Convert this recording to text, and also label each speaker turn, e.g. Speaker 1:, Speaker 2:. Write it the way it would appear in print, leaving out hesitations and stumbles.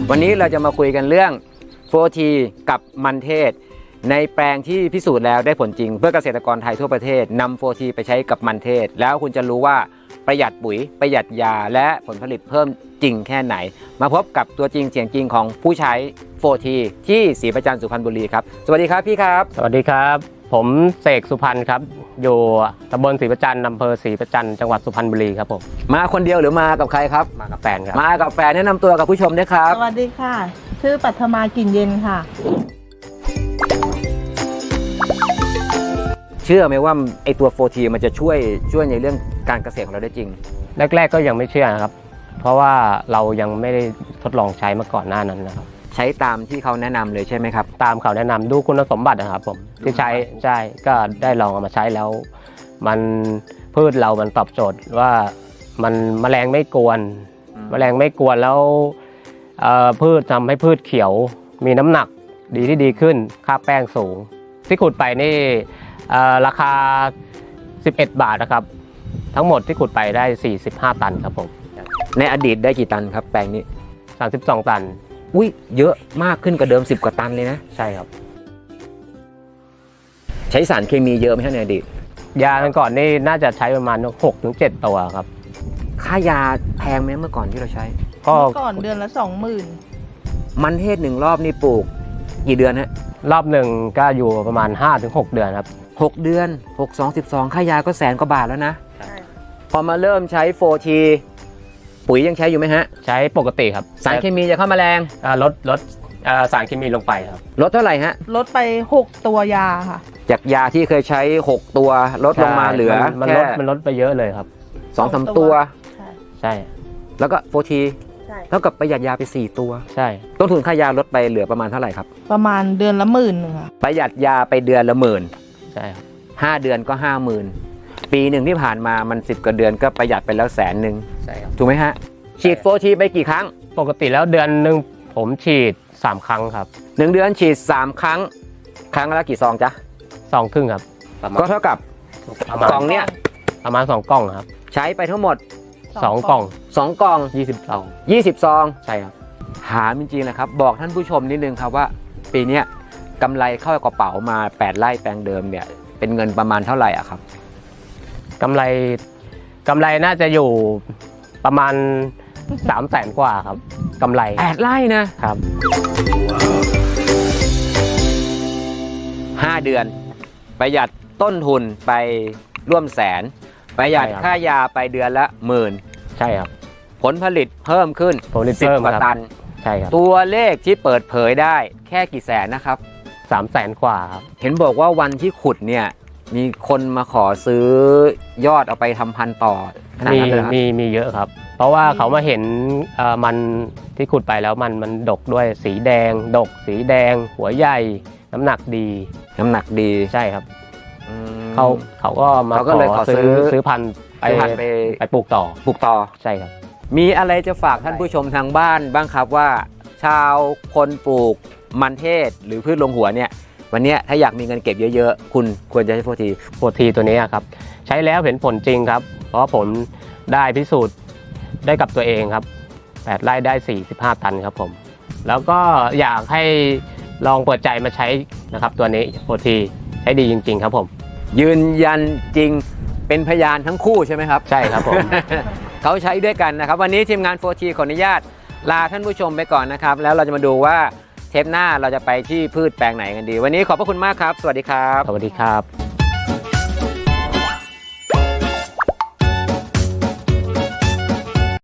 Speaker 1: วันนี้เราจะมาคุยกันเรื่อง 4T กับมันเทศในแปลงที่พิสูจน์แล้วได้ผลจริงเพื่อเกษตรกรไทยทั่วประเทศนำ 4T ไปใช้กับมันเทศแล้วคุณจะรู้ว่าประหยัดปุ๋ยประหยัดยาและผลผลิตเพิ่มจริงแค่ไหนมาพบกับตัวจริงเสียงจริงของผู้ใช้ 4T ที่ศรีประจันทร์สุพรรณบุรีครับสวัสดีครับพี่ครับ
Speaker 2: สวัสดีครับผมเสกสุพรรณครับอยู่ตำบลศรีประจันทร์อำเภอศรีประจันทร์จังหวัดสุพรรณบุรีครับผม
Speaker 1: มาคนเดียวหรือมากับใครครับ
Speaker 2: มากับแฟนครับ
Speaker 1: มากับแฟนแนะนำตัวกับผู้ชมด้วยครับ
Speaker 3: สวัสดีค่ะชื่อปัทมากลิ่นเย็นค่ะ
Speaker 1: เชื่อไหมว่าไอตัว 4T มันจะช่วยในเรื่องการเกษตรของเราได้จริง
Speaker 2: แรกๆก็ยังไม่เชื่อนะครับเพราะว่าเรายังไม่ได้ทดลองใช้มาก่อนหน้านั้นนะครับ
Speaker 1: ใช้ตามที่เขาแนะนำเลยใช่ไหมครับ
Speaker 2: ตามเขาแนะนำดูคุณสมบัตินะครับผมที่ใช้ก็ได้ลองเอามาใช้แล้วมันพืชเรามันตอบโจทย์ว่ามันแมลงไม่กวนแล้วพืชทำให้พืชเขียวมีน้ำหนักดีขึ้นค่าแป้งสูงที่ขุดไปนี่ราคา11 บาทนะครับทั้งหมดที่ขุดไปได้45 ตันครับผม
Speaker 1: ในอดีตได้กี่ตันครับแปลงนี้
Speaker 2: 32 ตัน
Speaker 1: อุ้ยเยอะมากขึ้นกว่าเดิม10 กว่าตันเลยนะ
Speaker 2: ใช่ครับ
Speaker 1: ใช้สารเคมีเยอะไหมครับในอดีต
Speaker 2: ยาก่อนนี่น่าจะใช้ประมาณ 6-7 ตัวครับ
Speaker 1: ค่ายาแพงไหมเมื่อก่อนที่เราใช้
Speaker 3: เมื่อก่อนเดือนละ 20,000
Speaker 1: มันเทศ1 รอบนี่ปลูกกี่เดือนฮะ
Speaker 2: รอบหนึ่งก็อยู่ประมาณ 5-6 เดือนครับ
Speaker 1: 6 เดือน6 2 12ค่ายาก็100,000 กว่าบาทแล้วนะพอมาเริ่มใช้ 4T ปุ๋ยยังใช้อยู่ไหมฮะ
Speaker 2: ใช้ปกติครับ
Speaker 1: สารเคมีจะเข้ามาแรง
Speaker 2: ลดสารเคมีลงไปครับ
Speaker 1: ลดเท่าไหร่ฮะ
Speaker 3: ลดไป6 ตัวยาค่ะ
Speaker 1: จากยาที่เคยใช้6 ตัวลดลงมาเหลือ
Speaker 2: มันลดไปเยอะเลยครับ
Speaker 1: 2-3 ตัว
Speaker 2: ใช่
Speaker 1: แล้วก็ 4T เท่ากับประหยัดยาไป4 ตัว
Speaker 2: ใช่
Speaker 1: ต้นทุนค่ายาลดไปเหลือประมาณเท่าไหร่ครับ
Speaker 3: ประมาณเดือนละ10,000ค่ะ
Speaker 1: ประหยัดยาไปเดือนละ10,000
Speaker 2: ใช่ครับ
Speaker 1: 5 เดือนก็ 50,000ปีหนึ่งที่ผ่านมามัน10 กว่าเดือนก็ประหยัดไปแล้ว100,000
Speaker 2: ใช่ครับ
Speaker 1: ถูกไหมฮะฉีด 4T ไปกี่ครั้ง
Speaker 2: ปกติแล้วเดือนหนึ่งผมฉีด3 ครั้งครับ
Speaker 1: 1 เดือนฉีด3 ครั้งครั้งละกี่ซองจ๊ะ
Speaker 2: 2 ครึ่งครับ
Speaker 1: ก็เท่ากับกล่องเนี้ย
Speaker 2: ประมาณ2 กล่องครับ
Speaker 1: ใช้ไปทั้งหมด
Speaker 2: 2 กล่อง
Speaker 1: 2 กล่อง20 ซอง
Speaker 2: ใช่ครับ
Speaker 1: ถามจริงๆนะครับบอกท่านผู้ชมนิดนึงครับว่าปีนี้กำไรเข้ากระเป๋ามา8 ไร่แปลงเดิมเนี่ยเป็นเงินประมาณเท่าไหร่อะครับ
Speaker 2: กำไรน่าจะอยู่ประมาณ300,000 กว่าครับกำไร
Speaker 1: 8 ไร่นะครับ5 เดือนประหยัดต้นทุนไปร่วม100,000ประหยัดค่ายาไปเดือนละ10,000
Speaker 2: ใช่ครับ
Speaker 1: ผลผลิตเพิ่มขึ้น10 กว่าตัน
Speaker 2: ใช่ครับ
Speaker 1: ตัวเลขที่เปิดเผยได้แค่กี่แสนนะครับ
Speaker 2: 300,000 กว่าครับ
Speaker 1: เห็นบอกว่าวันที่ขุดเนี่ยมีคนมาขอซื้อยอดเอาไปทำพันธุ์ต่อ
Speaker 2: มีเยอะครับเพราะว่าเขามาเห็นมันที่ขุดไปแล้วมันดกด้วยสีแดงหัวใหญ่น้ำหนักดีใช่ครับเขาก็มาขอซื้อพันธุ์ไปปลูกต่อใช่ครับ
Speaker 1: มีอะไรจะฝากท่านผู้ชมทางบ้านบ้างครับว่าชาวคนปลูกมันเทศหรือพืชลงหัวเนี่ยวันนี้ถ้าอยากมีเงินเก็บเยอะๆคุณควรจะใช้
Speaker 2: 4T ตัวนี้ครับใช้แล้วเห็นผลจริงครับเพราะผมได้พิสูจน์ได้กับตัวเองครับ8 ไร่ได้45 ตันครับผมแล้วก็อยากให้ลองเปิดใจมาใช้นะครับตัวนี้ 4T ใช้ดีจริงๆครับผม
Speaker 1: ยืนยันจริงเป็นพยานทั้งคู่ใช่ไหมครับ
Speaker 2: ใช่ครับผม
Speaker 1: เขาใช้ด้วยกันนะครับวันนี้ทีมงาน 4T ขออนุญาตลาท่านผู้ชมไปก่อนนะครับแล้วเราจะมาดูว่าเทปหน้าเราจะไปที่พืชแปลงไหนกันดีวันนี้ขอบพระคุณมากครับสวัสดีครับ
Speaker 2: สวัสดีครับ